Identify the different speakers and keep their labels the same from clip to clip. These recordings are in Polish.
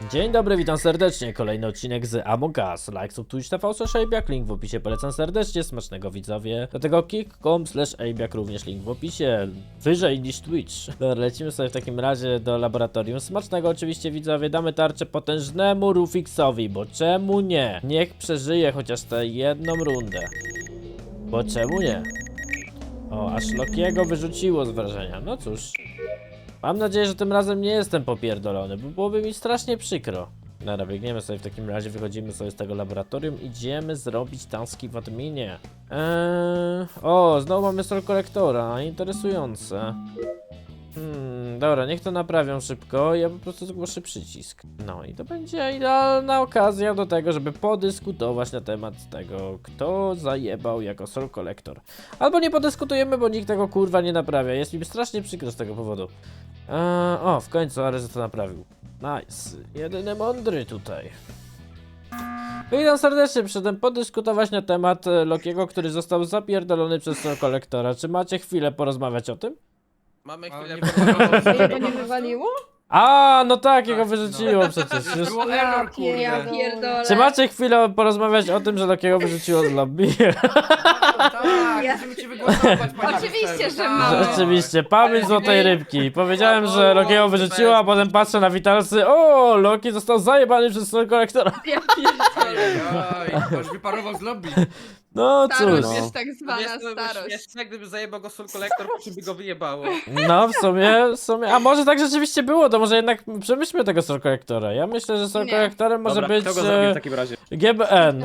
Speaker 1: Dzień dobry, witam serdecznie. Kolejny odcinek z Among Us. Like, sub, Twitch, TV, /Ejbiak, link w opisie, polecam serdecznie, smacznego widzowie. Do tego kick.com/Ejbiak, również link w opisie, wyżej niż Twitch. Dobra, lecimy sobie w takim razie do laboratorium. Smacznego oczywiście widzowie, damy tarczę potężnemu Rufixowi, bo czemu nie? Niech przeżyje chociaż tę jedną rundę. Bo czemu nie? O, aż Lokiego wyrzuciło z wrażenia, no cóż. Mam nadzieję, że tym razem nie jestem popierdolony, bo byłoby mi strasznie przykro. Dobra, biegniemy sobie w takim razie, wychodzimy sobie z tego laboratorium, idziemy zrobić taski w adminie. O, znowu mamy Soul Collectora, interesujące. Dobra, niech to naprawią szybko, ja po prostu zgłoszę przycisk. No i to będzie idealna okazja do tego, żeby podyskutować na temat tego, kto zajebał jako Soul Collector. Albo nie podyskutujemy, bo nikt tego kurwa nie naprawia, jest mi strasznie przykro z tego powodu. O, w końcu Ares to naprawił. Nice, jedyny mądry tutaj. Witam serdecznie, przyszedłem podyskutować na temat Lokiego, który został zapierdolony przez Soul Collectora. Czy macie chwilę porozmawiać o tym?
Speaker 2: Mamy chwilę.
Speaker 3: Jego nie wywaliło?
Speaker 1: A, no tak, jego wyrzuciło przecież. Już...
Speaker 2: Było error,
Speaker 3: Ja
Speaker 2: kurde.
Speaker 3: pierdolę.
Speaker 1: Czy macie chwilę porozmawiać o tym, że Lokiego wyrzuciło z lobby?
Speaker 2: Tak, musimy cię wygłosować, panie
Speaker 3: Oczywiście,
Speaker 2: Westeru,
Speaker 3: że
Speaker 2: tak.
Speaker 3: mamy.
Speaker 1: Rzeczywiście, pamięć złotej rybki. Powiedziałem, że Lokiego wyrzuciło, a potem patrzę na witalsy. O, Loki został zajebany przez Soul Collectora.
Speaker 3: Ja pierdolę.
Speaker 2: Oj, już wyparował z lobby.
Speaker 1: No cóż.
Speaker 3: Starość jest tak zwana
Speaker 2: Jest to
Speaker 3: starość.
Speaker 2: śmieszne, gdyby zajebał go Soul Collector, po czym by go wyjebało.
Speaker 1: No w sumie, a może tak rzeczywiście było, to może jednak przemyślmy tego Soul Collectora. Ja myślę, że Soul
Speaker 3: Nie.
Speaker 1: Collectorem może być
Speaker 4: Kto go zabił w takim razie?
Speaker 1: GBN.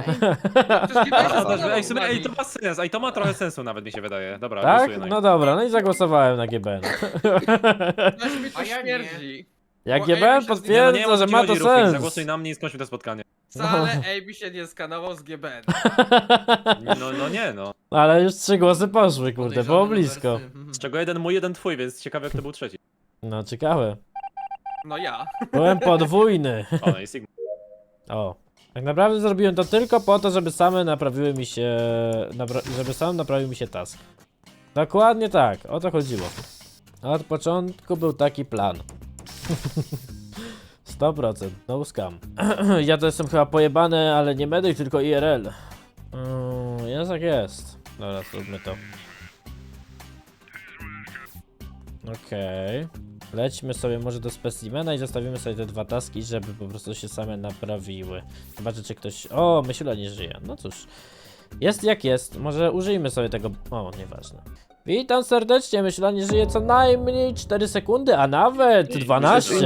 Speaker 4: Ej, to ma sens, ej, to ma trochę sensu nawet mi się wydaje. Dobra,
Speaker 1: Tak?
Speaker 4: głosuję na
Speaker 1: No dobra, no i zagłosowałem na GBN.
Speaker 2: Aż mi to
Speaker 5: A ja nie.
Speaker 2: śmierdzi.
Speaker 1: Jak
Speaker 2: Bo
Speaker 1: GBN
Speaker 2: Amy się
Speaker 4: Nie,
Speaker 1: potwierdza,
Speaker 4: no
Speaker 1: że
Speaker 4: nie
Speaker 1: ma to
Speaker 4: chodzi, Rufix,
Speaker 1: sens.
Speaker 4: zagłosuj na mnie i skończmy to spotkanie.
Speaker 2: Wcale AB się nie skanował z GBN.
Speaker 4: No nie, no.
Speaker 1: Ale już 3 głosy poszły, kurde, było blisko.
Speaker 4: Z czego jeden mój, jeden twój, więc ciekawe kto był trzeci.
Speaker 1: No ciekawe.
Speaker 2: No ja.
Speaker 1: Byłem podwójny.
Speaker 4: O, no i Sigma.
Speaker 1: O. Tak naprawdę zrobiłem to tylko po to, żeby same naprawiły mi się... żeby sam naprawił mi się task. Dokładnie tak, o to chodziło. Od początku był taki plan. 100%, no scam. Ja to jestem chyba pojebany, ale nie medyk, tylko IRL. Jest jak jest. Dobra, zróbmy to. Okej. Lećmy sobie może do specimena i zostawimy sobie te 2 taski, żeby po prostu się same naprawiły. Zobaczę, czy ktoś... O, Myśla nie żyje. No cóż. Jest jak jest. Może użyjmy sobie tego... O, nieważne. Witam serdecznie. Myśla nie żyje co najmniej 4 sekundy, a nawet 12.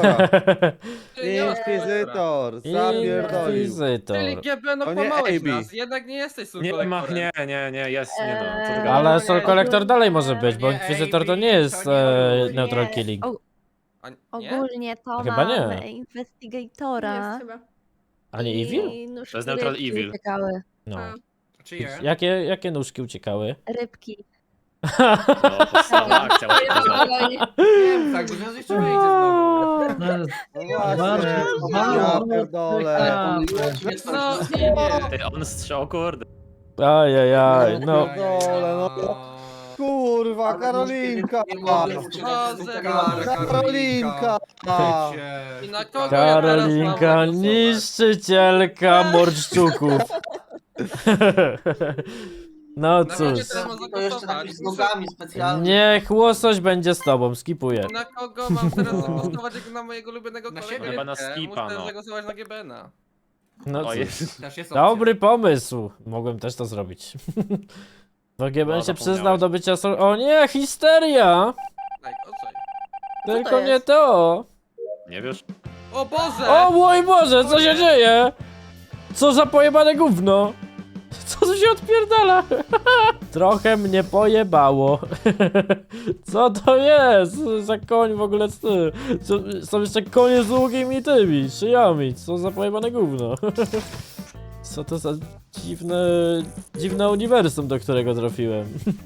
Speaker 6: Inkwizytor, zapierdolił.
Speaker 1: Inkwizytor.
Speaker 2: Czyli GBN
Speaker 6: To nie
Speaker 2: okłamałeś
Speaker 6: AB.
Speaker 2: nas, jednak nie jesteś Soul
Speaker 4: Nie,
Speaker 2: Collectorem.
Speaker 4: nie, jest, nie no. Co ty
Speaker 3: Ale-
Speaker 4: gadasz?
Speaker 1: Ale Soul Collector dalej może być, bo
Speaker 5: Nie,
Speaker 1: Inkwizytor to
Speaker 5: AB,
Speaker 1: nie jest
Speaker 5: to nie.
Speaker 1: neutral
Speaker 7: Nie.
Speaker 1: killing.
Speaker 2: A nie?
Speaker 7: Ogólnie to
Speaker 1: Chyba nie.
Speaker 7: mamy Investigatora.
Speaker 3: Jest chyba.
Speaker 1: A nie Evil?
Speaker 7: I nóżki
Speaker 4: To jest Neutral
Speaker 7: rybki
Speaker 4: Evil.
Speaker 7: uciekały.
Speaker 1: No.
Speaker 3: A.
Speaker 5: Czyje?
Speaker 1: Jakie nóżki uciekały?
Speaker 7: Rybki.
Speaker 4: No, podstawowa akcja.
Speaker 3: Ale nie.
Speaker 5: Nie, tak, bo zaraz jeszcze wyjdzie znowu.
Speaker 6: No właśnie, ja pierdolę.
Speaker 2: No i nie.
Speaker 4: Ty, on strzał, kurde.
Speaker 1: Ajajaj, no.
Speaker 6: Pierdolę, no. Kurwa, Karolinka!
Speaker 5: Nie mogę
Speaker 6: Karolinka!
Speaker 2: I na kogo ja teraz
Speaker 1: Karolinka,
Speaker 2: mam głosować?
Speaker 1: niszczycielka morszczuków. No
Speaker 2: Na kogo
Speaker 1: cóż,
Speaker 2: teraz mam
Speaker 8: To jeszcze
Speaker 2: zagłosować?
Speaker 8: napis z nogami specjalnie.
Speaker 1: niech łosoś będzie z tobą, skipuję.
Speaker 2: Na kogo mam teraz zagłosować jak na mojego ulubionego
Speaker 5: Na
Speaker 2: kolegę?
Speaker 5: siebie.
Speaker 4: Chyba na skipa,
Speaker 2: Muszę
Speaker 4: no.
Speaker 2: zagłosować na GBN-a.
Speaker 1: No
Speaker 4: O,
Speaker 1: cóż,
Speaker 4: jest.
Speaker 5: Też jest opcja.
Speaker 1: dobry pomysł. Mogłem też to zrobić. Bo GBN
Speaker 4: No,
Speaker 1: się przyznał
Speaker 4: zapomniałeś.
Speaker 1: do bycia O nie, histeria!
Speaker 2: Tak, o co?
Speaker 1: Tylko
Speaker 7: to
Speaker 1: nie
Speaker 7: jest?
Speaker 1: to!
Speaker 4: Nie wiesz?
Speaker 2: O Boże!
Speaker 1: O mój Boże, co się dzieje? Co za pojebane gówno? Co tu się odpierdala? Trochę mnie pojebało. Co to jest? Co za koń w ogóle? Są jeszcze konie z długimi tymi szyjami. Co za pojebane gówno? Co to za dziwne uniwersum, do którego trafiłem?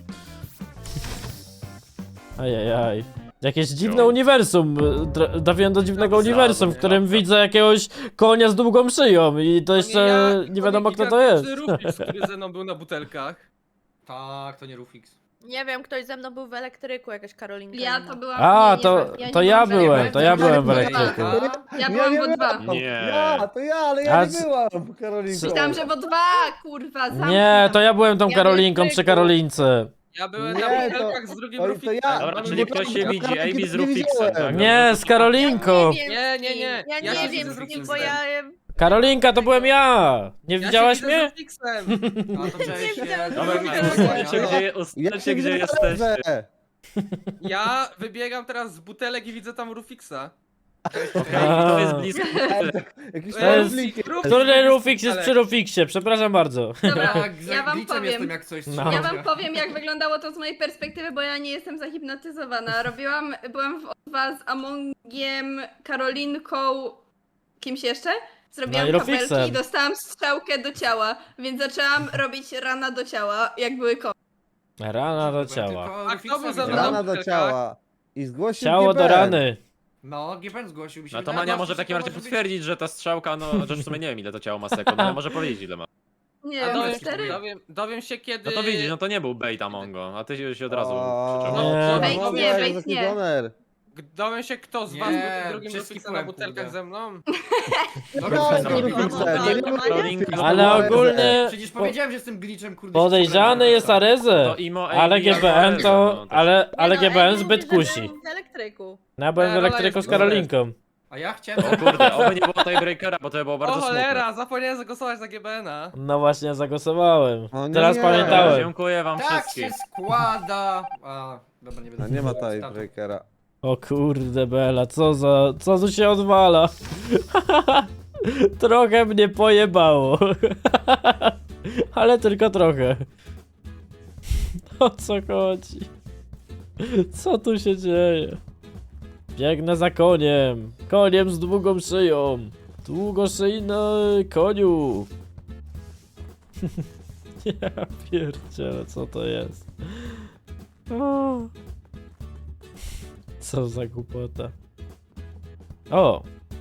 Speaker 1: Ajajaj. Jakieś dziwne uniwersum. Trafiłem do dziwnego uniwersum, w którym widzę jakiegoś konia z długą szyją i to jeszcze nie wiadomo kto to jest.
Speaker 2: Rufix, który ze mną był na butelkach.
Speaker 5: Tak, to nie Rufix.
Speaker 8: Nie wiem, ktoś ze mną był w elektryku, jakaś Karolinka.
Speaker 3: Ja
Speaker 8: inna.
Speaker 3: to byłam...
Speaker 1: A,
Speaker 3: nie,
Speaker 1: to ja
Speaker 3: byłam
Speaker 1: byłem, to ja byłem w
Speaker 3: Ja
Speaker 1: elektryku.
Speaker 3: Ja byłam w dwa.
Speaker 4: Nie.
Speaker 6: Ja, ale ja
Speaker 1: A
Speaker 6: nie byłam, Karolinko.
Speaker 3: Myślałam, że w dwa, kurwa, zamknij
Speaker 1: Nie,
Speaker 3: tam.
Speaker 1: to ja byłem tą
Speaker 3: Ja
Speaker 1: Karolinką
Speaker 3: w
Speaker 1: przy
Speaker 3: elektryku.
Speaker 1: Karolince.
Speaker 2: Ja byłem
Speaker 6: Nie,
Speaker 2: na
Speaker 6: to-
Speaker 2: butelkach z drugim
Speaker 6: to
Speaker 2: Rufiksem.
Speaker 6: ja.
Speaker 4: Dobra,
Speaker 6: No,
Speaker 4: czyli
Speaker 6: bo
Speaker 4: ktoś
Speaker 6: to-
Speaker 4: się
Speaker 6: to
Speaker 4: widzi,
Speaker 6: Karolinki
Speaker 4: AB z
Speaker 6: nie
Speaker 4: Rufiksem,
Speaker 6: widziałem.
Speaker 4: tak?
Speaker 1: Nie, z Karolinką.
Speaker 2: Nie, nie, nie.
Speaker 8: Ja
Speaker 2: Ja
Speaker 8: nie
Speaker 2: się
Speaker 8: wiem
Speaker 2: z
Speaker 8: z kim,
Speaker 2: Rufiksem
Speaker 8: bo ja...
Speaker 1: Karolinka, to byłem ja. Nie widziałaś
Speaker 2: Ja się widzę z
Speaker 1: mnie?
Speaker 2: Rufiksem.
Speaker 5: No to cześć.
Speaker 4: Dobra,
Speaker 5: Cześć.
Speaker 4: ustalcie gdzie,
Speaker 6: Ja
Speaker 4: ustalcie,
Speaker 6: się
Speaker 4: gdzie
Speaker 6: widzę
Speaker 4: jesteście.
Speaker 2: Ja wybiegam teraz z butelek i widzę tam Rufiksa.
Speaker 4: Okej, to jest blisko.
Speaker 6: Jakiś
Speaker 1: To jest-
Speaker 6: Karolinki.
Speaker 1: Który Rufix jest przy Rufiksie? Przepraszam bardzo.
Speaker 3: Dobra,
Speaker 5: Tak, za
Speaker 3: ja wam
Speaker 5: glitchem
Speaker 3: powiem.
Speaker 5: jestem jak coś.
Speaker 1: No.
Speaker 5: trzymajcie.
Speaker 3: Ja wam powiem, jak wyglądało to z mojej perspektywy, bo ja nie jestem zahipnotyzowana. Byłam w O2 z Amongiem, Karolinką, kimś jeszcze? Zrobiłam
Speaker 1: No i Rufiksem.
Speaker 3: kabelki i dostałam strzałkę do ciała, więc zaczęłam robić rana do ciała, jak były koło.
Speaker 1: Rana do
Speaker 5: Tylko
Speaker 1: ciała.
Speaker 2: A kto był za
Speaker 5: Rufiksa
Speaker 2: mną?
Speaker 5: widziałem.
Speaker 6: Rana do ciała. I zgłosił
Speaker 1: Ciało do
Speaker 6: GBN.
Speaker 1: rany.
Speaker 5: No, GBN zgłosił mi się.
Speaker 4: No to
Speaker 5: wydaje,
Speaker 4: Mania
Speaker 5: że
Speaker 4: może w takim razie
Speaker 5: może być-
Speaker 4: potwierdzić, że ta strzałka, no chociaż w sumie nie wiem ile to ciało ma sekund, ale może powiedzieć ile ma.
Speaker 3: Nie
Speaker 2: A
Speaker 3: wiem, 4?
Speaker 2: dowiem się kiedy...
Speaker 4: No to widzisz, no to nie był bait Amongo, a ty się od razu
Speaker 6: O,
Speaker 4: przyczepił.
Speaker 2: No,
Speaker 3: Bait
Speaker 6: no,
Speaker 3: nie,
Speaker 6: no,
Speaker 3: bait
Speaker 6: taki
Speaker 3: nie.
Speaker 6: goner.
Speaker 2: Dowiem się kto z was
Speaker 5: Nie,
Speaker 2: był drugim
Speaker 5: wszystkich
Speaker 2: Rufiksem na
Speaker 5: byłem,
Speaker 2: butelkach
Speaker 5: kurde.
Speaker 2: ze mną?
Speaker 6: No
Speaker 4: Rufiksa
Speaker 6: tak,
Speaker 4: ma
Speaker 6: to
Speaker 4: Rufiksa.
Speaker 6: Rufiksa, to nie był
Speaker 4: Karolinka, no to
Speaker 1: Ale
Speaker 4: była-
Speaker 1: ogólnie
Speaker 5: Przecież powiedziałem, że jestem glitchem, kurde.
Speaker 1: podejrzany jest Areze.
Speaker 4: To Imo,
Speaker 1: Ale
Speaker 4: AB,
Speaker 1: GBN to...
Speaker 4: no,
Speaker 1: Ale
Speaker 8: Nie no,
Speaker 1: GBN
Speaker 8: Ej,
Speaker 1: zbyt
Speaker 8: mówi, że
Speaker 1: kusi.
Speaker 8: był w elektryku.
Speaker 1: No ja byłem w
Speaker 2: Rola
Speaker 1: elektryku
Speaker 2: jest
Speaker 1: z Karolinką.
Speaker 5: A ja chciałem...
Speaker 4: O kurde, oby nie było tiebreakera, bo to by było
Speaker 2: O
Speaker 4: bardzo smutne.
Speaker 2: cholera, zapomniałem zagłosować na GBN-a.
Speaker 1: No właśnie, zagłosowałem.
Speaker 6: O nie.
Speaker 1: Teraz pamiętałem.
Speaker 4: Dziękuję wam
Speaker 5: Tak się
Speaker 4: wszystkim.
Speaker 5: składa. A, dobra, nie będę...
Speaker 6: A nie ma tiebreakera.
Speaker 1: O kurde Bela, co tu się odwala? Trochę mnie pojebało. Ale tylko trochę. O co chodzi? Co tu się dzieje? Biegnę za koniem. Koniem z długą szyją. Długoszyjny koniu. Ja pierdzielę, co to jest? O. Co za głupota. O!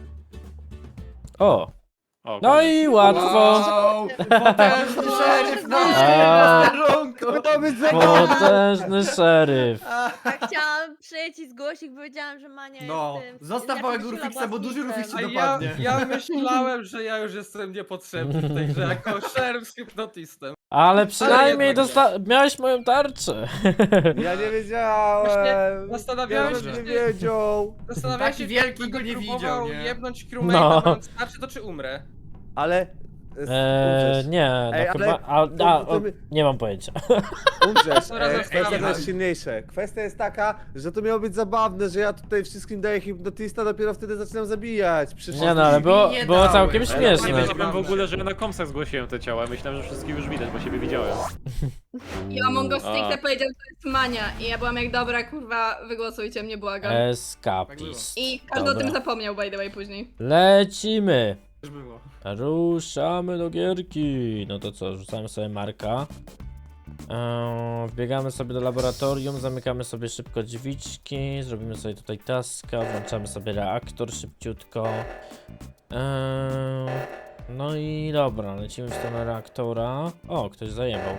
Speaker 1: O!
Speaker 4: O,
Speaker 1: No
Speaker 4: koniec.
Speaker 1: i łatwo!
Speaker 5: Wow, potężny szeryf na
Speaker 1: A.
Speaker 5: sterunku.
Speaker 6: To być
Speaker 1: Potężny szeryf.
Speaker 8: Ja chciałam przyjść i zgłosić, bo wiedziałam, że Mania
Speaker 5: No,
Speaker 8: jest tym...
Speaker 5: zostaw
Speaker 8: ja
Speaker 5: małego
Speaker 8: Krzysiula
Speaker 5: Rufiksa, bo duży
Speaker 8: była
Speaker 5: Rufiks
Speaker 2: A
Speaker 5: się
Speaker 8: snitchem.
Speaker 2: ja,
Speaker 5: dopadnie.
Speaker 2: ja myślałem, że ja już jestem niepotrzebny w tej grze jako szeryf z hipnotistem.
Speaker 1: Ale przynajmniej
Speaker 2: jednak
Speaker 1: miałeś moją tarczę.
Speaker 6: Ja nie wiedziałem.
Speaker 2: Zastanawiałem
Speaker 6: Ja
Speaker 2: się,
Speaker 6: bym nie
Speaker 2: czy...
Speaker 6: wiedział.
Speaker 2: Zastanawiałem
Speaker 5: Taki
Speaker 2: się,
Speaker 5: wielki
Speaker 2: czy
Speaker 5: go nie
Speaker 2: próbował
Speaker 5: widział, nie?
Speaker 2: jebnąć
Speaker 1: No.
Speaker 2: crewmate'a, mając tarczę, to czy umrę?
Speaker 6: Ale...
Speaker 1: Nie, no
Speaker 6: Ej, ale
Speaker 1: chyba. Nie mam pojęcia.
Speaker 6: Umrzesz.
Speaker 2: Dobra,
Speaker 6: Kwestia
Speaker 2: zostawiam.
Speaker 6: jest silniejsze. Kwestia jest taka, że to miało być zabawne, że ja tutaj wszystkim daję hipnotista, dopiero wtedy zaczynam zabijać. Przecież
Speaker 1: Nie no, ale było
Speaker 5: nie
Speaker 1: całkiem
Speaker 5: dałem.
Speaker 4: Ja nie
Speaker 1: śmieszne.
Speaker 4: wiedziałem w ogóle, że ja na komsach zgłosiłem te ciała. Myślałem, że wszystkich już widać, bo siebie widziałem.
Speaker 3: I Among Us
Speaker 4: A.
Speaker 3: stricte powiedział, że to jest Mania. I ja byłam jak, dobra, kurwa, wygłosujcie mnie, błagam.
Speaker 1: Escapist.
Speaker 3: I każdy o
Speaker 1: Dobra.
Speaker 3: tym zapomniał, by the way, później.
Speaker 1: Lecimy.
Speaker 5: Już było.
Speaker 1: Ruszamy do gierki. No to co, rzucamy sobie Marka. Wbiegamy sobie do laboratorium, zamykamy sobie szybko drzwiczki, zrobimy sobie tutaj taska, włączamy sobie reaktor szybciutko. No i dobra, lecimy w stronę reaktora. O, ktoś zajebał.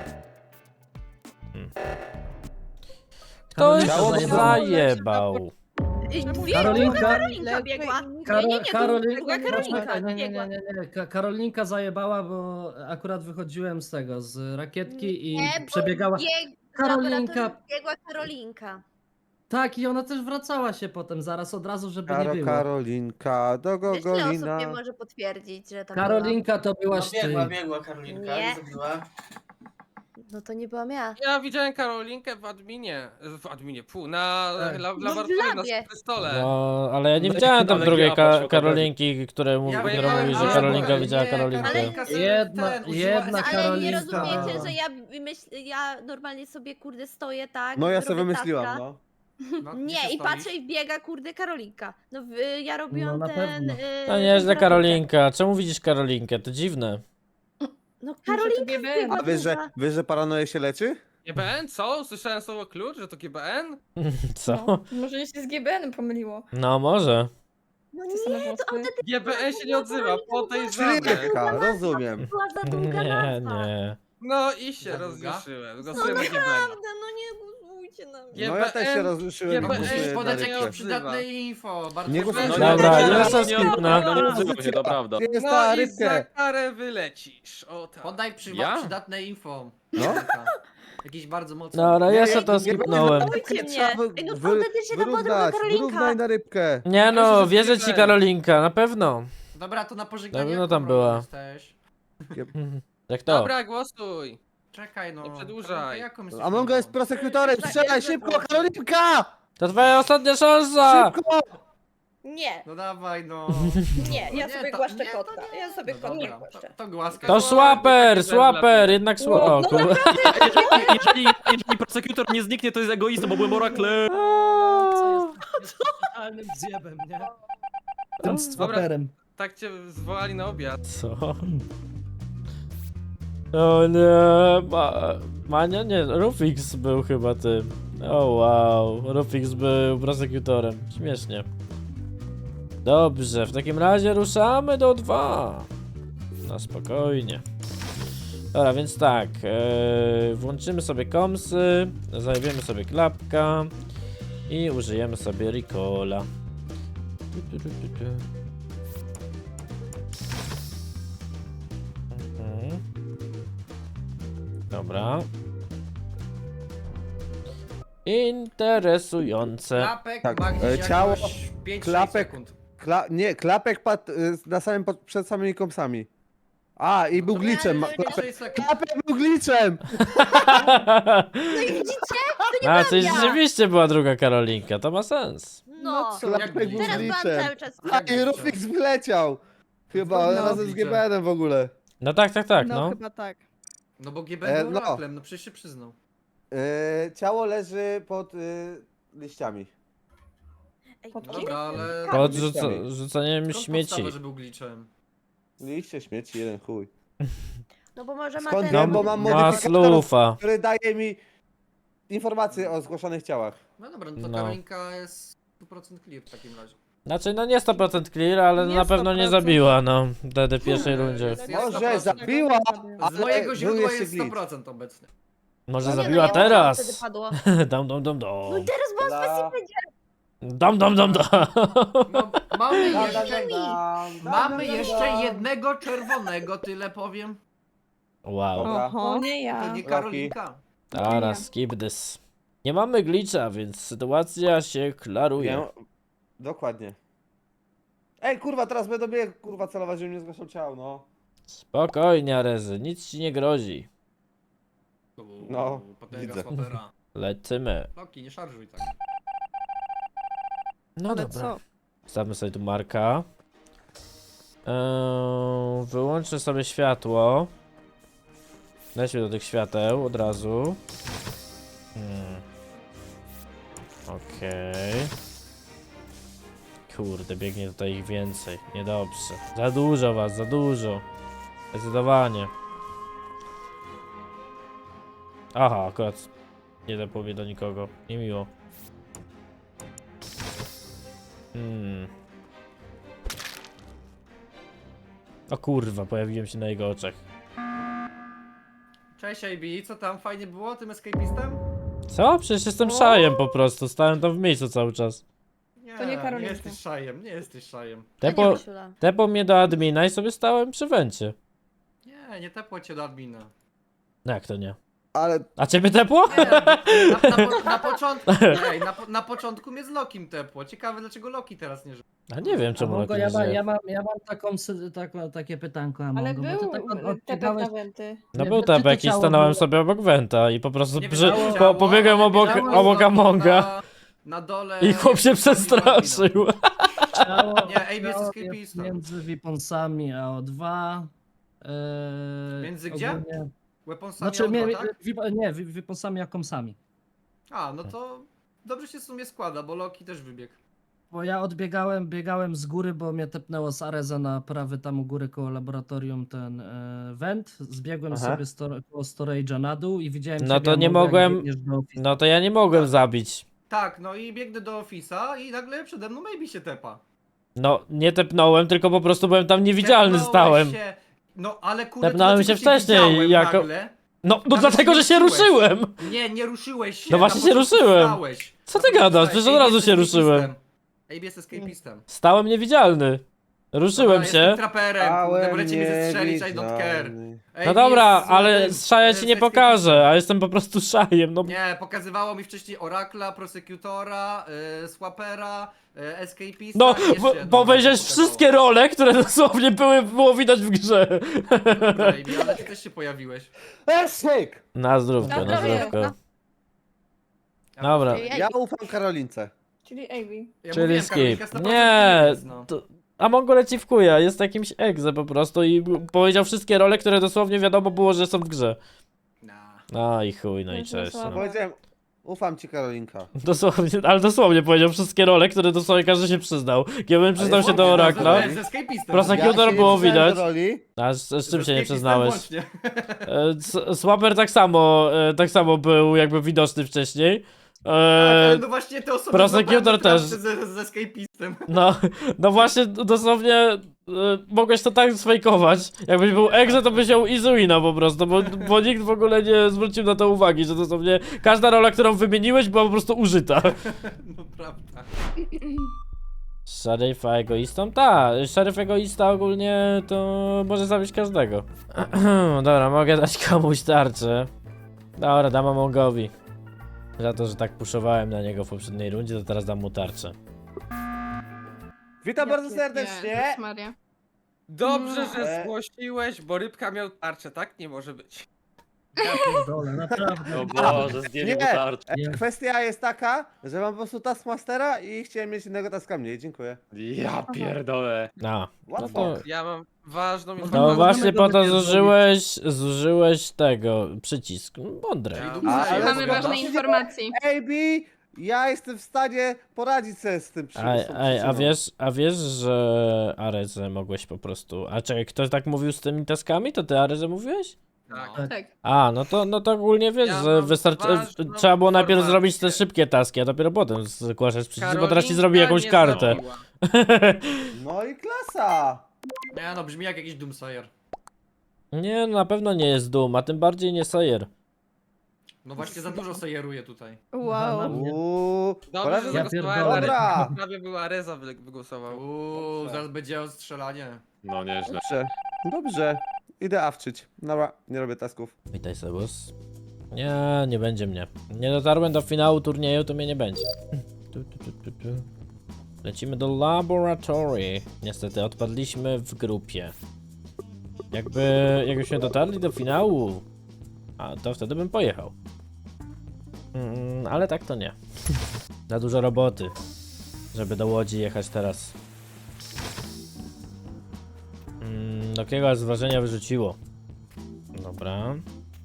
Speaker 1: Ktoś
Speaker 6: Ciało
Speaker 1: zajebał.
Speaker 9: Karolinka?
Speaker 8: Karolinka biegła. Nie, biegła Karolinka. biegła.
Speaker 9: Karolinka zajebała, bo akurat wychodziłem z tego, z rakietki i
Speaker 8: Nie, bo
Speaker 9: przebiegała. Karolinka.
Speaker 8: Biegła Karolinka.
Speaker 9: Tak, i ona też wracała się potem zaraz od razu, żeby nie było.
Speaker 6: Karolinka, do
Speaker 8: Wiesz, ile osób
Speaker 6: Gogolina.
Speaker 8: nie może potwierdzić, że tak
Speaker 9: Karolinka to byłaś ty.
Speaker 5: biegła Karolinka
Speaker 8: Nie.
Speaker 5: i zabiła.
Speaker 8: było? No to nie byłam ja.
Speaker 2: Ja widziałem Karolinkę w adminie, na
Speaker 9: Tak.
Speaker 2: w
Speaker 8: No w
Speaker 2: laboratorium
Speaker 8: labie.
Speaker 2: na stole.
Speaker 1: No, ale ja nie widziałem tam
Speaker 4: Ale
Speaker 1: drugiej
Speaker 4: Giła poszła
Speaker 1: Karolinki, która mówi, że Karolinka widziała Karolinkę.
Speaker 9: Jedna
Speaker 8: Ale nie
Speaker 9: Karolinka.
Speaker 8: rozumiecie, że ja normalnie sobie kurde stoję tak.
Speaker 6: No ja
Speaker 8: robię
Speaker 6: sobie wymyśliłam,
Speaker 8: taska.
Speaker 6: no.
Speaker 8: Nie, i patrzę i wbiega kurde Karolinka. No ja robiłam
Speaker 9: No na
Speaker 8: ten...
Speaker 9: pewno.
Speaker 1: No nieźle Karolinka, czemu widzisz Karolinkę? To dziwne.
Speaker 8: No Karolinka
Speaker 6: A wiesz, że paranoję się leczy?
Speaker 2: GBN? Co? Słyszałem słowo klucz, że to GBN?
Speaker 1: Co?
Speaker 3: Może się z GBN pomyliło.
Speaker 1: No może.
Speaker 8: No nie, to autentycznie
Speaker 2: GBN się nie odzywa, podejrzane.
Speaker 6: Szybka, rozumiem.
Speaker 8: była za długa
Speaker 1: Nie,
Speaker 8: nazwa.
Speaker 1: nie.
Speaker 2: No i się
Speaker 5: Za długa?
Speaker 2: rozjuszyłem.
Speaker 8: No
Speaker 2: Głosujemy GBN.
Speaker 8: naprawdę, no nie... głosujcie na mnie.
Speaker 6: No ja też się rozruszyłem i
Speaker 2: GBN
Speaker 5: Musisz
Speaker 6: głosuję na
Speaker 5: podać
Speaker 6: rybkę.
Speaker 5: jakieś przydatne info. Bardzo
Speaker 6: Nie
Speaker 5: proszę.
Speaker 6: głosujcie.
Speaker 1: Dobra,
Speaker 2: nie,
Speaker 1: ja se
Speaker 4: nie,
Speaker 1: skipnę.
Speaker 4: nie odzywał się, to prawda.
Speaker 6: Gdzie jest
Speaker 2: No
Speaker 6: ta
Speaker 2: i za
Speaker 6: rybkę?
Speaker 2: karę wylecisz. O tak.
Speaker 5: Podaj
Speaker 4: Ja?
Speaker 5: przydatne info.
Speaker 6: No.
Speaker 5: Jakieś bardzo mocne.
Speaker 1: Dobra, ja se
Speaker 6: Nie,
Speaker 1: to
Speaker 6: nie,
Speaker 1: skipnąłem.
Speaker 8: Głosujcie mnie. Ej, no autentycznie to była druga
Speaker 6: Wyrównać,
Speaker 8: Karolinka.
Speaker 6: wyrównaj na rybkę.
Speaker 1: Nie no,
Speaker 5: Myślę, że
Speaker 1: wierzę ci
Speaker 5: skipnę.
Speaker 1: Karolinka, na pewno.
Speaker 5: Dobra, to na pożegnanie.
Speaker 1: No tam
Speaker 5: jaką
Speaker 1: była.
Speaker 5: rolę jesteś?
Speaker 1: Jak to?
Speaker 2: Dobra, głosuj.
Speaker 5: Czekaj no.
Speaker 2: Nie przedłużaj.
Speaker 5: Karolinka, jaką jesteś
Speaker 6: Among
Speaker 5: rolą?
Speaker 6: jest prosekutorem, strzelaj
Speaker 8: Jestem
Speaker 6: szybko,
Speaker 8: proszę.
Speaker 6: Karolinka!
Speaker 1: To twoja ostatnia szansa!
Speaker 6: Szybko!
Speaker 8: Nie,
Speaker 5: No dawaj no.
Speaker 8: nie, ja
Speaker 5: Nie,
Speaker 8: sobie
Speaker 5: to-
Speaker 8: głaszczę
Speaker 5: nie, to
Speaker 8: kotka.
Speaker 5: nie.
Speaker 8: Ja sobie
Speaker 5: No
Speaker 8: kotka
Speaker 5: dobra,
Speaker 8: głaszczę.
Speaker 5: to głaskaj.
Speaker 1: To słaper, słaper, jednak słaper. O, kurwa.
Speaker 4: Jeżeli prosekutor nie zniknie, to jest egoistą, bo byłem oraklem.
Speaker 9: Co jest totalnym zjebem, nie? Tym stwoperem.
Speaker 2: Tak cię zwołali na obiad.
Speaker 1: Co? O nie, Mania? Nie, Rufix był chyba tym. O wow, Rufix był prosekutorem. Śmiesznie. Dobrze, w takim razie ruszamy do 2. No spokojnie. Dobra, więc tak, włączymy sobie komsy, zajebiemy sobie klapka i użyjemy sobie Ricola. Mhm. Dobra. Interesujące.
Speaker 5: Klapek
Speaker 6: Tak,
Speaker 5: ma gdzieś
Speaker 6: ciało,
Speaker 5: jakoś 5-6
Speaker 6: klapek.
Speaker 5: sekund.
Speaker 6: Nie, klapek padł na samym przed samymi kąsami. A, i był glitchem. Klapek,
Speaker 5: 6 sekund.
Speaker 6: klapek był glitchem!
Speaker 8: No i widzicie?
Speaker 1: A, czyli rzeczywiście była druga Karolinka, to ma sens.
Speaker 8: No.
Speaker 6: Klapek był
Speaker 8: Teraz byłam
Speaker 6: glitchem.
Speaker 8: cały czas.
Speaker 6: A, i Rufix wyleciał. Chyba,
Speaker 5: No,
Speaker 6: razem z
Speaker 5: glitchem.
Speaker 6: GBN-em w ogóle.
Speaker 1: No tak, tak, tak, no.
Speaker 7: chyba tak.
Speaker 5: No bo GB był
Speaker 6: no.
Speaker 5: oraklem, no przecież się przyznał.
Speaker 6: Ciało leży pod liściami.
Speaker 8: Ej,
Speaker 5: No
Speaker 8: kim
Speaker 5: dobra, ale...
Speaker 1: Pod
Speaker 6: liściami.
Speaker 1: rzucaniem
Speaker 5: Skąd
Speaker 1: śmieci.
Speaker 5: podstawa, że był glitchem?
Speaker 6: Liście śmieci, jeden chuj.
Speaker 8: No bo może ma
Speaker 6: Skąd
Speaker 8: ten...
Speaker 6: wiem, bo mam
Speaker 1: Ma
Speaker 6: modyfikator,
Speaker 1: slufa.
Speaker 6: który daje mi informacje o zgłoszonych ciałach.
Speaker 5: No dobra, no to
Speaker 1: No.
Speaker 5: Karolinka jest 100% clear w takim razie.
Speaker 1: Znaczy, no nie 100% clear, ale
Speaker 7: Nie
Speaker 1: na pewno nie
Speaker 7: 100%.
Speaker 1: zabiła, no. Wtedy w pierwszej rundzie.
Speaker 5: Jest
Speaker 6: Może
Speaker 5: 100%.
Speaker 6: zabiła,
Speaker 5: Z
Speaker 6: ale
Speaker 5: mojego
Speaker 6: był
Speaker 5: źródła
Speaker 6: jeszcze
Speaker 5: jest
Speaker 6: glitch.
Speaker 5: 100% obecny.
Speaker 1: Może
Speaker 8: No nie,
Speaker 1: zabiła
Speaker 8: no, ja mam, wtedy
Speaker 1: teraz.
Speaker 8: padło.
Speaker 1: Dam, dam, dam,
Speaker 8: No
Speaker 1: dam.
Speaker 8: i teraz byłam
Speaker 6: Dla-
Speaker 8: specjalnie.
Speaker 1: Dam, dam, dam, dam.
Speaker 5: No, mamy
Speaker 6: Dam,
Speaker 5: jeszcze...
Speaker 6: dam, dam, dam,
Speaker 5: Mamy
Speaker 6: dam,
Speaker 5: jeszcze
Speaker 6: dam.
Speaker 5: jednego czerwonego, tyle powiem.
Speaker 1: Wow.
Speaker 6: Dobra.
Speaker 7: Oho, nie
Speaker 5: To
Speaker 7: ja.
Speaker 5: nie Karolinka.
Speaker 1: Dobra, skip this. Nie mamy glitcha, więc sytuacja się klaruje.
Speaker 6: Nie, dokładnie. Ej, kurwa, teraz będę biegł, kurwa, celować, żeby mnie zgłaszał ciał, no.
Speaker 1: Spokojnie, Arezy, nic ci nie grozi.
Speaker 6: No,
Speaker 5: potęga
Speaker 6: widzę.
Speaker 5: swapera.
Speaker 1: Lecimy.
Speaker 5: Loki, nie szarżuj tak.
Speaker 1: No
Speaker 7: Ale
Speaker 1: dobra.
Speaker 7: co?
Speaker 1: Stawmy sobie tu Marka. Wyłączę sobie światło. Lećmy do tych świateł od razu. Okej. Kurde, biegnie tutaj ich więcej. Niedobrze. Za dużo was, za dużo. Zdecydowanie. Aha, akurat nie dopowie do nikogo. Niemiło. O kurwa, pojawiłem się na jego oczach.
Speaker 5: Cześć AB, co tam? Fajnie było tym escapistem?
Speaker 1: Co? Przecież jestem szajem po prostu. Stałem tam w miejscu cały czas.
Speaker 5: Nie,
Speaker 3: To nie Karolinka.
Speaker 5: nie jesteś szajem, nie jesteś szajem.
Speaker 1: Tepło mnie do admina i sobie stałem przy wencie.
Speaker 5: Nie tepło cię do admina.
Speaker 1: No jak to nie?
Speaker 6: Ale
Speaker 1: A ciebie tepło?
Speaker 5: Nie, na początku, ej, na początku mnie z Lokim tepło. Ciekawe dlaczego Loki teraz nie żyje.
Speaker 1: A nie wiem czemu
Speaker 9: Amongo,
Speaker 1: Loki
Speaker 9: ja,
Speaker 1: nie
Speaker 9: mam,
Speaker 1: żyje.
Speaker 9: ja mam takie pytanko, Amongo.
Speaker 3: Ale
Speaker 9: bo
Speaker 3: był
Speaker 9: ty tak
Speaker 3: tepek
Speaker 9: odbiegałeś-
Speaker 3: na wenty.
Speaker 1: No
Speaker 9: Nie,
Speaker 1: był
Speaker 9: czy to
Speaker 1: tepek i
Speaker 9: ciało
Speaker 1: stanąłem
Speaker 9: było-
Speaker 1: sobie obok wenta i po prostu
Speaker 5: Nie
Speaker 1: przy...
Speaker 5: wiem, ciało,
Speaker 1: pobiegłem
Speaker 5: ale
Speaker 1: obok
Speaker 5: ciało
Speaker 1: obok
Speaker 5: jest
Speaker 1: Amonga
Speaker 5: na dole.
Speaker 1: i chłop się przestraszył.
Speaker 9: Ciało,
Speaker 5: Nie, AB jest
Speaker 9: ciało
Speaker 5: escapistą.
Speaker 9: między Weaponsami a O2.
Speaker 5: Między gdzie?
Speaker 9: ogólnie-
Speaker 5: Weaponsami
Speaker 9: Znaczy,
Speaker 5: auto, tak?
Speaker 9: nie, Weaponsami a komsami.
Speaker 5: A, no to dobrze się w sumie składa, bo Loki też wybiegł.
Speaker 9: Bo ja biegałem z góry, bo mnie tepnęło z Areza na prawy tam u góry koło laboratorium ten vent. Zbiegłem
Speaker 6: Aha.
Speaker 9: sobie koło storage'a na dół i widziałem
Speaker 1: No
Speaker 9: ciebie,
Speaker 1: to nie
Speaker 9: Amongo, jak
Speaker 1: mogłem-
Speaker 9: biegniesz do office'u.
Speaker 1: No to ja nie mogłem zabić.
Speaker 5: Tak, no i biegnę do Office'a i nagle przede mną Maybe się tepa.
Speaker 1: No nie tepnąłem, tylko po prostu byłem tam niewidzialny
Speaker 5: Tepnąłeś
Speaker 1: stałem.
Speaker 5: Się, no ale kurde,
Speaker 1: Tepnąłem
Speaker 5: to dlaczego
Speaker 1: się
Speaker 5: cię
Speaker 1: wcześniej,
Speaker 5: widziałem
Speaker 1: jako-
Speaker 5: nagle?
Speaker 1: No
Speaker 5: Nawet
Speaker 1: dlatego,
Speaker 5: nie
Speaker 1: że się
Speaker 5: ruszyłeś.
Speaker 1: ruszyłem!
Speaker 5: Nie ruszyłeś się.
Speaker 1: No właśnie
Speaker 5: na
Speaker 1: się
Speaker 5: początku
Speaker 1: ruszyłem.
Speaker 5: stałeś.
Speaker 1: Co ty gadasz? Przecież od razu się ruszyłem.
Speaker 5: AB jest escapistem.
Speaker 1: Stałem niewidzialny. Ruszyłem
Speaker 5: Dobra,
Speaker 1: się.
Speaker 5: Jestem traperem, kurde,
Speaker 6: Stałem
Speaker 5: możecie mnie zestrzelić, I don't care.
Speaker 6: niewidzialny.
Speaker 1: No
Speaker 5: AB
Speaker 1: dobra,
Speaker 5: jest
Speaker 1: ale
Speaker 5: złotym,
Speaker 1: z szaja ci nie
Speaker 5: z
Speaker 1: pokażę, a jestem po prostu szajem, no.
Speaker 5: Nie, pokazywało mi wcześniej Oracla, Prosecutora, Swapera, Escapista
Speaker 1: No,
Speaker 5: i jeszcze jedno
Speaker 1: powiedziałeś
Speaker 5: pokazało.
Speaker 1: wszystkie role, które dosłownie było widać w grze.
Speaker 5: Dobra, AB, ale ty też się pojawiłeś.
Speaker 6: Esek!
Speaker 1: Na zdrówko, na
Speaker 8: Dobra,
Speaker 1: zdrówko.
Speaker 8: no.
Speaker 1: Dobra,
Speaker 6: Ja ufam Karolince.
Speaker 8: Czyli Amy.
Speaker 5: Ja
Speaker 1: czyli
Speaker 5: mówiłem,
Speaker 1: skip.
Speaker 5: Karolinka 100%
Speaker 1: Nie,
Speaker 5: jest, no.
Speaker 1: Amongo leci w kuja, jest jakimś egze po prostu i powiedział wszystkie role, które dosłownie wiadomo było, że są w grze.
Speaker 5: Nah.
Speaker 1: No i chuj, no i
Speaker 8: Ja się
Speaker 1: cześć.
Speaker 8: słabo.
Speaker 1: No.
Speaker 6: Powiedziałem, ufam ci Karolinka.
Speaker 1: Dosłownie, ale dosłownie powiedział wszystkie role, które dosłownie każdy się przyznał. Gdybym przyznał się do Orakla,
Speaker 5: Z Escapistem.
Speaker 1: Prosecutor
Speaker 6: Ja się
Speaker 1: było
Speaker 6: nie przyznałem
Speaker 1: widać.
Speaker 6: do roli.
Speaker 1: A z czym
Speaker 5: Z
Speaker 1: się nie
Speaker 5: Escapistem
Speaker 1: przyznałeś?
Speaker 5: włącznie.
Speaker 1: Swapper tak samo był jakby widoczny wcześniej.
Speaker 5: Tak, ale no właśnie te osoby
Speaker 1: Prosecutor
Speaker 5: zobaczą
Speaker 1: też.
Speaker 5: z Escapistem.
Speaker 1: No właśnie, dosłownie mogłeś to tak sfejkować. Jakbyś był egze, to byś ją Izuina po prostu, bo nikt w ogóle nie zwrócił na to uwagi, że dosłownie każda rola, którą wymieniłeś, była po prostu użyta.
Speaker 5: No prawda.
Speaker 1: Szeryf egoistą? Tak, szeryf egoista ogólnie to może zabić każdego. Dobra, mogę dać komuś tarczę. Dobra, dam Amongowi. Za to, że tak puszowałem na niego w poprzedniej rundzie, to teraz dam mu tarczę.
Speaker 6: Witam bardzo serdecznie.
Speaker 3: Jezus Maria.
Speaker 2: Dobrze, że
Speaker 6: E.
Speaker 2: zgłosiłeś, bo rybka miał tarczę, tak? Nie może być.
Speaker 9: Ja pierdolę, naprawdę.
Speaker 4: O Boże, zdjęli mu
Speaker 6: Nie.
Speaker 4: tarczę.
Speaker 9: Nie.
Speaker 6: Kwestia jest taka, że mam po prostu Taskmastera i chciałem mieć innego taska mniej. Dziękuję.
Speaker 4: Ja pierdolę.
Speaker 1: No
Speaker 6: Łatwo.
Speaker 1: to...
Speaker 2: Ja mam ważną
Speaker 9: No
Speaker 2: informację.
Speaker 1: No właśnie po to
Speaker 9: Możemy
Speaker 1: zużyłeś tego, przycisk. Mądre.
Speaker 6: Ale
Speaker 3: Mamy
Speaker 6: zgadza
Speaker 3: ważnej
Speaker 6: się.
Speaker 3: informacji.
Speaker 6: AB, ja jestem w stanie poradzić sobie z tym
Speaker 1: A wiesz, że Arezę mogłeś po prostu... A czekaj, ktoś tak mówił z tymi taskami? To ty Arezę mówiłeś?
Speaker 2: Tak.
Speaker 3: Tak.
Speaker 1: A, no to ogólnie wiesz,
Speaker 2: Ja
Speaker 1: że
Speaker 2: mam
Speaker 1: wystarczy...
Speaker 2: ważną
Speaker 1: Trzeba było najpierw
Speaker 2: informację.
Speaker 1: zrobić te szybkie taski, a dopiero potem zgłaszać przycisk, bo teraz ci
Speaker 2: Karolinka
Speaker 1: zrobi jakąś
Speaker 2: nie
Speaker 1: kartę.
Speaker 2: zabiła.
Speaker 6: No i klasa.
Speaker 5: Nie no, brzmi jak jakiś Doomsayer.
Speaker 1: Nie, no na pewno nie jest Doom, a tym bardziej nie Sayer.
Speaker 5: No właśnie za dużo sajeruje tutaj.
Speaker 8: Wow.
Speaker 2: Dobrze, że
Speaker 9: Ja
Speaker 2: zagłosowałem
Speaker 9: pierdolę.
Speaker 2: na
Speaker 6: Dobra.
Speaker 2: Rybkę. Prawie była Reza wygłosował.
Speaker 5: Zaraz będzie ostrzelanie.
Speaker 4: No nieźle.
Speaker 6: Dobrze, dobrze. Idę awczyć. Dobra, nie robię tasków.
Speaker 1: Witaj, Sebus. Nie będzie mnie. Nie dotarłem do finału turnieju, to mnie nie będzie. Tu. Lecimy do laboratory. Niestety odpadliśmy w grupie. Jakbyśmy dotarli do finału, a to wtedy bym pojechał. Ale tak to nie. Za dużo roboty, żeby do Łodzi jechać teraz. Dokiego z wrażenia wyrzuciło. Dobra.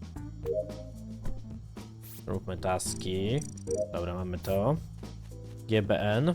Speaker 1: Róbmy taski. Dobra, mamy to. GBN.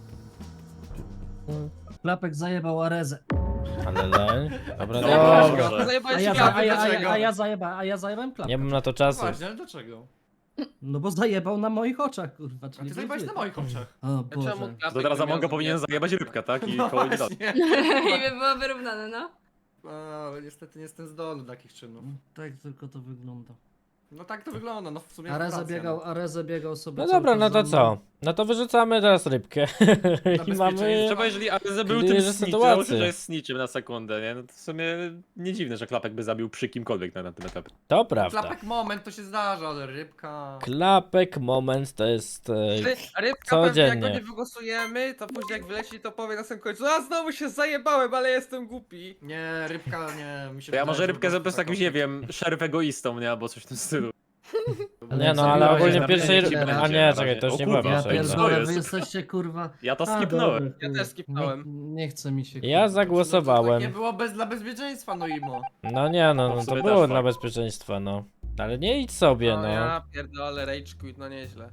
Speaker 9: Klapek zajebał Arezę.
Speaker 1: Ale leń. Dobra,
Speaker 2: Zajebałeś
Speaker 1: dobra.
Speaker 2: go,
Speaker 9: A
Speaker 2: zajebałeś
Speaker 9: ja,
Speaker 2: go.
Speaker 9: a ja, a
Speaker 5: dlaczego?
Speaker 9: ja, a ja, zajeba, a ja zajebałem klapkę.
Speaker 1: Nie mam na to czasu.
Speaker 5: Właśnie, ale dlaczego?
Speaker 9: No bo zajebał na moich oczach, kurwa.
Speaker 5: A
Speaker 9: Czyli
Speaker 5: ty zajebałeś na moich oczach.
Speaker 9: O
Speaker 2: Czemu
Speaker 9: Boże.
Speaker 2: klapek
Speaker 4: To teraz
Speaker 2: by miał
Speaker 4: Amongo powinien
Speaker 2: zajebać?
Speaker 4: zajebać rybkę, tak? I
Speaker 5: No
Speaker 4: koło nie da.
Speaker 5: właśnie.
Speaker 3: I by było wyrównane, no.
Speaker 5: Ale niestety nie jestem zdolny do takich czynów.
Speaker 9: Tak tylko to wygląda.
Speaker 5: No tak to wygląda, no w sumie
Speaker 9: Arezę biegał sobie.
Speaker 1: No
Speaker 9: cały
Speaker 1: dobra,
Speaker 9: czas
Speaker 1: no to
Speaker 9: za mną.
Speaker 1: co? No to wyrzucamy teraz rybkę. I mamy...
Speaker 5: bezpieczeństwo.
Speaker 4: Trzeba, jeżeli Areze był
Speaker 1: Clear
Speaker 4: tym snitchem,
Speaker 1: sytuację.
Speaker 4: że jest snitchem na sekundę, nie? No to w sumie nie dziwne, że Klapek by zabił przy kimkolwiek na tym etapie.
Speaker 1: To prawda.
Speaker 5: Klapek moment to się zdarza, ale rybka...
Speaker 1: Klapek moment to jest...
Speaker 2: Rybka pewnie jak go
Speaker 1: Codziennie.
Speaker 2: nie wygłosujemy, to później jak wyleci, to powie na samym końcu: a znowu się zajebałem, ale jestem głupi.
Speaker 5: Nie, rybka nie, mi się
Speaker 4: To ja
Speaker 5: wydaje,
Speaker 4: może
Speaker 5: że
Speaker 4: rybkę
Speaker 5: po
Speaker 4: zrobię
Speaker 5: prostu
Speaker 4: z jakimś, nie wiem, szeryf egoistą, nie? Albo coś w tym stylu.
Speaker 1: Nie
Speaker 9: jak
Speaker 1: no, ale
Speaker 9: zabiłeś
Speaker 1: ogólnie
Speaker 9: na
Speaker 1: pierwszej...
Speaker 9: będzie,
Speaker 1: A
Speaker 9: będzie,
Speaker 1: nie,
Speaker 4: na
Speaker 1: czekaj,
Speaker 4: razie.
Speaker 1: to już
Speaker 4: O
Speaker 1: nie
Speaker 4: kurwa,
Speaker 1: była
Speaker 9: Ja
Speaker 4: to
Speaker 1: pierwsza.
Speaker 4: jest-
Speaker 9: pierdolę,
Speaker 4: jest?
Speaker 9: wy jesteście kurwa.
Speaker 4: Ja to
Speaker 9: A,
Speaker 4: skipnąłem.
Speaker 9: dobra,
Speaker 2: Ja
Speaker 9: kurwa.
Speaker 2: też skipnąłem.
Speaker 9: Nie chce mi się.
Speaker 1: Ja
Speaker 9: kurwa.
Speaker 1: zagłosowałem.
Speaker 5: Nie było dla bezpieczeństwa, no imo.
Speaker 1: No nie, no
Speaker 4: W
Speaker 1: to
Speaker 4: sumie
Speaker 1: było
Speaker 4: też
Speaker 1: dla
Speaker 4: fakt.
Speaker 1: bezpieczeństwa, no. Ale nie idź sobie,
Speaker 2: No
Speaker 1: no.
Speaker 2: ja pierdolę, rage quit, no nieźle.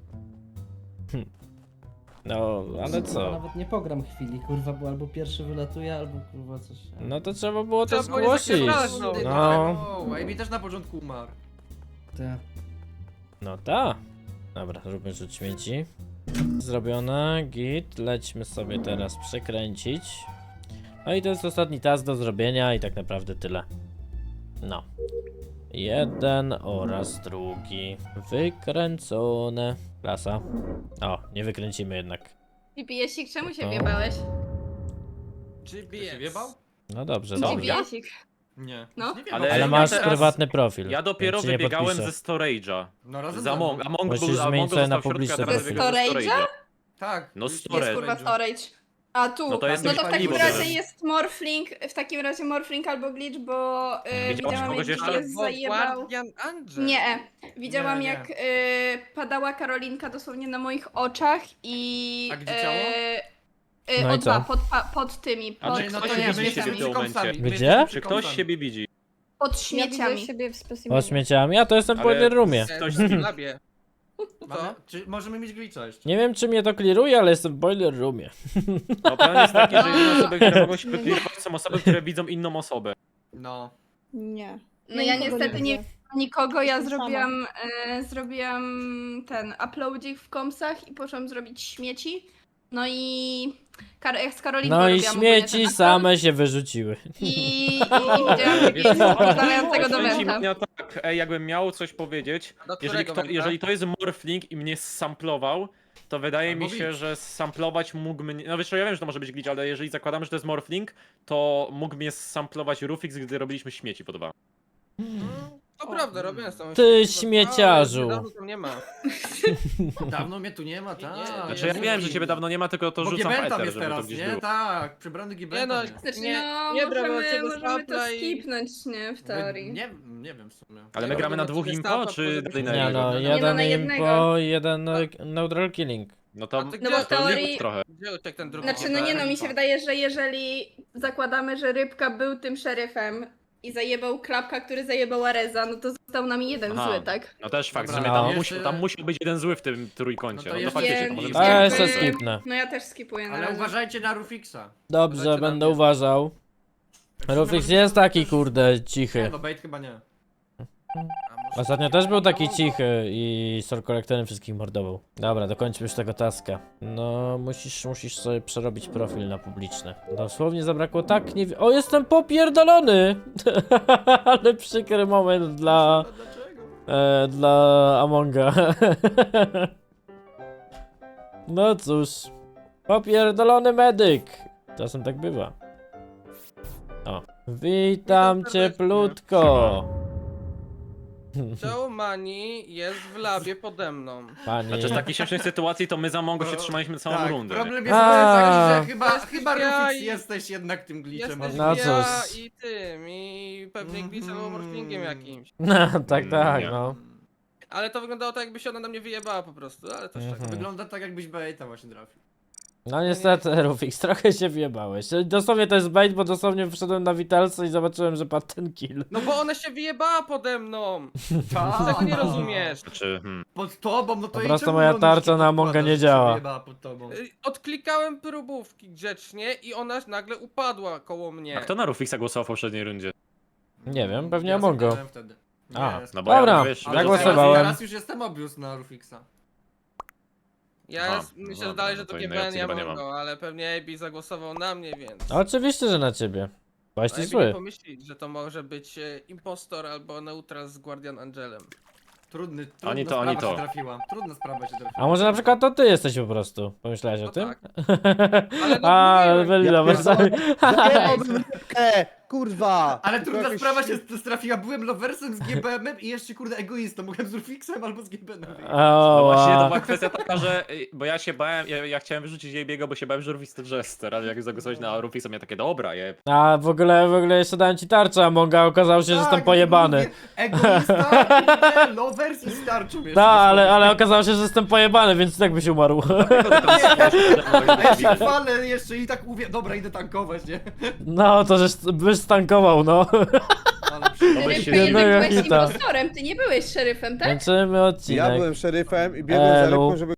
Speaker 1: No, ale co?
Speaker 9: Nawet nie pogram chwili, kurwa, bo albo pierwszy wylatuje, albo kurwa coś.
Speaker 1: No to trzeba było to
Speaker 2: Trzeba było nie
Speaker 1: zgłosić.
Speaker 2: zapierdalać, no.
Speaker 1: No.
Speaker 5: Amy też na początku umarł.
Speaker 9: Te.
Speaker 1: No ta. Dobra, zróbmy rzut śmieci. Zrobione, git. Lećmy sobie teraz przekręcić. No i to jest ostatni task do zrobienia i tak naprawdę tyle. No. Jeden oraz drugi. Wykręcone. Klasa. O, nie wykręcimy jednak.
Speaker 3: GPS-ik, czemu się
Speaker 1: O.
Speaker 3: wjebałeś?
Speaker 2: GPS.
Speaker 5: Się wjebał?
Speaker 1: No dobrze,
Speaker 4: Co?
Speaker 1: dobrze.
Speaker 3: GPS-ik.
Speaker 5: Nie.
Speaker 3: No.
Speaker 5: Nie
Speaker 4: Ale
Speaker 1: Ale
Speaker 4: ja
Speaker 1: masz
Speaker 4: teraz-
Speaker 1: prywatny profil.
Speaker 4: Ja dopiero
Speaker 1: więc ci nie
Speaker 4: wybiegałem
Speaker 1: podpiszę.
Speaker 4: ze storage'a.
Speaker 5: No razem
Speaker 4: Z
Speaker 5: ze mną.
Speaker 4: Among
Speaker 1: Musisz
Speaker 4: był,
Speaker 1: zmienić
Speaker 4: Among
Speaker 1: sobie na
Speaker 4: został w środku,
Speaker 1: publiczny
Speaker 4: a teraz
Speaker 1: profil.
Speaker 4: wybiegłem ze
Speaker 3: Storage'a?
Speaker 5: Tak.
Speaker 4: No
Speaker 3: Jest
Speaker 4: storage.
Speaker 3: kurwa storage. A tu,
Speaker 4: No to jest
Speaker 3: no to
Speaker 4: jakiś
Speaker 3: w takim
Speaker 4: paliwo
Speaker 3: razie
Speaker 4: teraz.
Speaker 3: jest morphling, w takim razie morphling albo glitch, bo widziałam
Speaker 4: kogoś
Speaker 3: jak
Speaker 4: jeszcze?
Speaker 3: jest zajebał.
Speaker 2: Guardian Angel.
Speaker 3: Nie, widziałam
Speaker 5: Nie, nie.
Speaker 3: jak padała Karolinka dosłownie na moich oczach i...
Speaker 5: A gdzie ciało?
Speaker 1: No i co?
Speaker 3: Pod tymi,
Speaker 4: A
Speaker 3: pod,
Speaker 4: czy
Speaker 5: Ej, no
Speaker 4: ktoś
Speaker 5: to
Speaker 4: nie
Speaker 5: ja,
Speaker 4: widzi
Speaker 5: my
Speaker 4: siebie
Speaker 5: jesteśmy
Speaker 4: w tym momencie?
Speaker 5: komsami, my
Speaker 1: Gdzie?
Speaker 5: jesteśmy
Speaker 4: Czy ktoś
Speaker 5: komsami.
Speaker 4: siebie widzi?
Speaker 3: pod śmieciami.
Speaker 8: siebie w
Speaker 1: O śmieciami, a to jestem po
Speaker 4: Ale-
Speaker 1: jeden roomie.
Speaker 2: Ktoś w labie.
Speaker 5: Mamy- Czy możemy mieć glitcha jeszcze?
Speaker 1: Nie wiem czy mnie to kliruje, ale jestem w boiler roomie.
Speaker 4: No plan jest taki, że jedyne osoby, które mogą się wyklirować, są osoby, które widzą inną osobę.
Speaker 5: No.
Speaker 8: Nie.
Speaker 3: No ja niestety nie nikogo, ja
Speaker 8: Jestem
Speaker 3: zrobiłam ten uploadzik w komsach i poszłam zrobić śmieci. No i z Karolinką
Speaker 1: No i
Speaker 3: robiłam ogólnie
Speaker 1: śmieci
Speaker 3: ten upload
Speaker 1: same się wyrzuciły.
Speaker 3: I widziałam GPS podglądającego do
Speaker 4: Powiem ci,
Speaker 3: wenta.
Speaker 4: Mania, tak, jakbym miał coś powiedzieć,
Speaker 2: Do
Speaker 4: jeżeli,
Speaker 2: którego węgla?
Speaker 4: jeżeli to jest morphling i mnie samplował, to wydaje
Speaker 5: Albo
Speaker 4: mi się,
Speaker 5: glitch.
Speaker 4: że samplować mógł mnie... No wiesz co, ja wiem, że to może być glitch, ale jeżeli zakładamy, że to jest morphling, to mógł mnie samplować Rufix, gdy robiliśmy śmieci po dwa.
Speaker 2: To prawda, robiłem z tą
Speaker 1: Ty
Speaker 2: śmiecią,
Speaker 1: śmieciarzu.
Speaker 2: ale dawno tam nie ma.
Speaker 5: Dawno mnie tu nie ma, tak.
Speaker 2: Nie,
Speaker 4: Znaczy ja wiem, że ciebie dawno nie ma, tylko to
Speaker 5: Bo
Speaker 4: rzucam w
Speaker 5: Giben tam
Speaker 4: eter,
Speaker 5: jest
Speaker 4: żeby to
Speaker 5: teraz,
Speaker 4: gdzieś
Speaker 5: nie?
Speaker 4: było.
Speaker 5: Tak, przybrany Giben
Speaker 2: Nie no,
Speaker 5: tam jest.
Speaker 3: Znaczy,
Speaker 2: Nie,
Speaker 3: no,
Speaker 2: nie brał
Speaker 3: możemy,
Speaker 2: tego
Speaker 3: możemy to
Speaker 2: stapla i-
Speaker 3: skipnąć, nie? W teorii.
Speaker 5: Nie wiem w sumie.
Speaker 4: Ale my
Speaker 2: Ja
Speaker 4: gramy na
Speaker 2: robię
Speaker 4: dwóch
Speaker 2: sobie
Speaker 4: impo,
Speaker 2: stapa,
Speaker 4: czy
Speaker 2: potem-
Speaker 4: na
Speaker 1: Nie
Speaker 4: jednego?
Speaker 1: no,
Speaker 3: no,
Speaker 1: jeden
Speaker 3: na
Speaker 1: impo, jeden neutral killing.
Speaker 4: No to
Speaker 2: A ty
Speaker 3: No bo
Speaker 2: gdzie?
Speaker 3: w teorii-
Speaker 4: liczyć trochę.
Speaker 2: Gdzie uciekł ten drugi?
Speaker 3: Znaczy, no nie no, mi się wydaje, że jeżeli zakładamy, że Rybka był tym szeryfem i zajebał Klapka, który zajebał Areza, no to został nam jeden
Speaker 4: Aha.
Speaker 3: zły, tak?
Speaker 4: No też fakt,
Speaker 5: Dobra,
Speaker 4: że
Speaker 1: no.
Speaker 4: tam musiał być jeden zły w tym trójkącie.
Speaker 5: No to
Speaker 4: No to
Speaker 5: jest-
Speaker 4: faktycznie,
Speaker 3: Więc-
Speaker 4: to możemy
Speaker 1: A ja
Speaker 4: sobie-
Speaker 1: se skipnę.
Speaker 3: No ja też skipuję na
Speaker 5: Ale
Speaker 3: razie.
Speaker 5: uważajcie na Rufixa.
Speaker 1: Dobrze,
Speaker 5: Uważajcie na
Speaker 1: będę
Speaker 5: mnie.
Speaker 1: uważał. Rufix jest taki kurde
Speaker 5: Nie,
Speaker 1: cichy.
Speaker 5: no bait chyba nie.
Speaker 2: A może-
Speaker 1: Ostatnio też był taki cichy i Soul Collectorem wszystkich mordował. Dobra, dokończmy już tego taska. No, musisz sobie przerobić profil na publiczny. Dosłownie zabrakło tak nie... O, jestem popierdolony! Ale przykry moment dla...
Speaker 5: Dlaczego?
Speaker 1: dla Amonga. No cóż. Popierdolony medyk. Czasem tak bywa. O. Witam cieplutko.
Speaker 2: Joe Mani jest w labie pode mną.
Speaker 1: Pani.
Speaker 4: Znaczy z takiej śmiesznej sytuacji to my za Mongo się trzymaliśmy całą
Speaker 5: Tak,
Speaker 4: rundę.
Speaker 5: problem jest
Speaker 1: A.
Speaker 5: taki, że chyba
Speaker 2: Jesteś
Speaker 5: Rufix
Speaker 2: ja i-
Speaker 5: jesteś jednak tym glitchem.
Speaker 2: Jesteś
Speaker 1: No
Speaker 2: ja
Speaker 1: cóż.
Speaker 2: i tym, i pewnie glitchem albo morphingiem jakimś.
Speaker 1: No, tak, tak,
Speaker 4: Nie.
Speaker 1: no.
Speaker 2: Ale to wyglądało tak, jakby się ona na mnie wyjebała po prostu, ale to
Speaker 1: Mhm.
Speaker 2: tak.
Speaker 5: Wygląda tak, jakbyś baita właśnie trafił.
Speaker 1: No niestety, Rufix, trochę się wjebałeś. Dosłownie to jest bait, bo dosłownie wszedłem na Witalce i zobaczyłem, że padł ten kill.
Speaker 2: No bo ona się wyjebała pode mną!
Speaker 5: Tak.
Speaker 2: Tego nie rozumiesz.
Speaker 4: Znaczy,
Speaker 5: Pod tobą, no to
Speaker 1: Po
Speaker 5: jej
Speaker 1: prostu
Speaker 5: czemu
Speaker 1: moja
Speaker 5: bronisz,
Speaker 1: tarcza
Speaker 5: kiedy
Speaker 1: na Amonga
Speaker 5: podkładasz,
Speaker 1: nie
Speaker 5: że się
Speaker 1: działa.
Speaker 5: wyjebała pod tobą?
Speaker 2: Odklikałem próbówki grzecznie i ona nagle upadła koło mnie.
Speaker 4: a kto na Rufixa głosował w poprzedniej rundzie?
Speaker 1: Nie wiem, pewnie
Speaker 5: Ja
Speaker 1: Amongo.
Speaker 5: zagrałem wtedy. Nie,
Speaker 1: A,
Speaker 5: jest.
Speaker 4: No bo
Speaker 1: Dobra,
Speaker 4: ja, wiesz,
Speaker 5: Ale
Speaker 1: zagłosowałem.
Speaker 5: Teraz już jestem obvious na Rufixa.
Speaker 2: Ja
Speaker 4: Aha,
Speaker 2: jest, myślę
Speaker 4: dobra,
Speaker 2: dalej, że
Speaker 4: no
Speaker 2: to
Speaker 4: to innej
Speaker 2: GBN
Speaker 4: opcji
Speaker 2: ja
Speaker 4: chyba nie mam.
Speaker 2: mogę, ale pewnie AB zagłosował na mnie, więc...
Speaker 1: Oczywiście, że na ciebie. Byłeś ty
Speaker 2: AB nie
Speaker 1: zły.
Speaker 2: pomyśli, że to może być impostor albo neutral z Guardian Angelem.
Speaker 5: Trudna
Speaker 4: Oni
Speaker 5: sprawa
Speaker 4: to.
Speaker 5: się trafiła. Trudna sprawa się trafiła.
Speaker 1: A może na przykład to ty jesteś po prostu? Pomyślałeś o
Speaker 2: No
Speaker 1: tym?
Speaker 2: tak. Ale no
Speaker 1: A,
Speaker 2: mówiłem.
Speaker 1: byli
Speaker 6: Ja
Speaker 1: loversami.
Speaker 6: Zabierałbym rybkę, kurwa!
Speaker 5: Ale
Speaker 6: Tylko
Speaker 5: trudna
Speaker 6: jakoś-
Speaker 5: sprawa się trafiła. Byłem loversem z GBM-em i jeszcze kurde egoistą. Mogłem z Rufixem albo z GBM-em.
Speaker 4: No właśnie, to
Speaker 1: O,
Speaker 4: była kwestia taka, że... Bo ja się bałem, ja chciałem wyrzucić JB'ego, bo się bałem, że Rufix to Jester, ale jak zagłosowałeś na Rufixa, miałem takie, dobra,
Speaker 1: a w ogóle jeszcze dałem ci tarczę, a Monga okazało się, że jestem pojebany.
Speaker 5: Egoista, nie, lovers i starczą jeszcze.
Speaker 1: Tak, ale okazało się, że jestem pojebany, więc i tak byś umarł.
Speaker 5: A ja się chwalę jeszcze i tak mówię, dobra, idę tankować, nie?
Speaker 1: No, to żeś byś stankował, no.
Speaker 5: Ale
Speaker 3: Rybka,
Speaker 1: się
Speaker 3: jednak
Speaker 1: jednego
Speaker 3: byłeś
Speaker 1: hita.
Speaker 3: impostorem, ty nie byłeś szeryfem, tak?
Speaker 1: Kończymy
Speaker 6: Ja
Speaker 1: odcinek.
Speaker 6: byłem szeryfem i biegłem za
Speaker 1: Elu.
Speaker 6: rybką, żeby